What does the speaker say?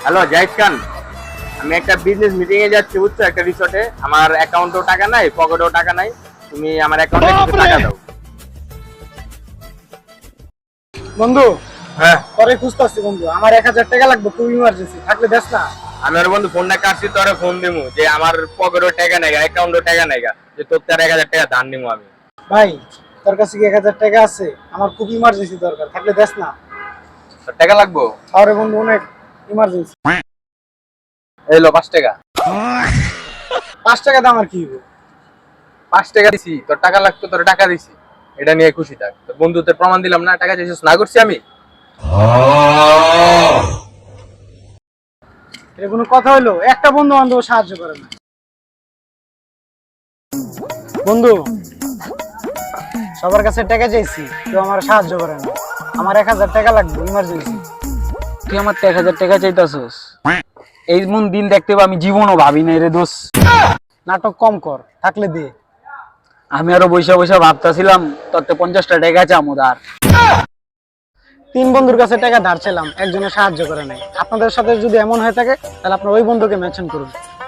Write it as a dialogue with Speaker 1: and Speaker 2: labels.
Speaker 1: Hello Zahid খান, আমি একটা business meeting এ যাচ্ছি বুঝছো, একটা রিসোর্টে। আমার অ্যাকাউন্টেও টাকা নাই, পকেটেও টাকা নাই। তুমি আমার অ্যাকাউন্টে কিছু টাকা দাও।
Speaker 2: বন্ধু,
Speaker 1: হ্যাঁ,
Speaker 2: পরে খুঁজতেছি বন্ধু, আমার 1000 টাকা লাগবে, খুব ইমার্জেন্সি, থাকলে দেখ না।
Speaker 1: আমি ওর বন্ধু ফোনটা কাটছি, তোরে ফোন দিমু যে আমার পকেটেও টাকা নাই, অ্যাকাউন্টেও টাকা নাই, যে তোর তার 1000 টাকা ধার নিমু আমি।
Speaker 2: ভাই, তোর কাছে কি 1000 টাকা আছে? আমার খুব ইমার্জেন্সি দরকার, থাকলে দেখ না।
Speaker 1: তোর টাকা লাগবো?
Speaker 2: আরে বন্ধু, অনেক ইমার্জেন্সি।
Speaker 1: এই লো 5 টাকা।
Speaker 2: 5 টাকা দাম আর কি হইব?
Speaker 1: 5 টাকা দিছি, তোর টাকা লাগতো, তোর টাকা দিছি, এটা নিয়ে খুশি থাক। তোর বন্ধুত্বের প্রমাণ দিলাম না, টাকা চাইছিস না করছি আমি।
Speaker 2: এটা কোনো কথা হইলো? একটা বন্ধু বান্ধব সাহায্য করে না। বন্ধু, সবার কাছে টাকা চাইছি, কেউ আমার সাহায্য করে না। আমার 1000 টাকা লাগবে, ইমার্জেন্সি।
Speaker 3: তুই আমার 1000 টাকা চাইতাছস? এই মন দিন দেখতে আমি জীবনও ভাবি নাই রে দোষ।
Speaker 2: নাটক কম কর, থাকলে দে।
Speaker 3: আমি আরো বৈশা বৈশা ভাবতাছিলাম তোর তো 50টা টাকা চামু ধার।
Speaker 2: 3 বন্ধুর কাছে টাকা ধার ছিলাম, একজনের সাহায্য করে নাই। আপনাদের সাথে যদি এমন হয়ে থাকে, তাহলে আপনার ওই বন্ধুকে মেনশন করুন।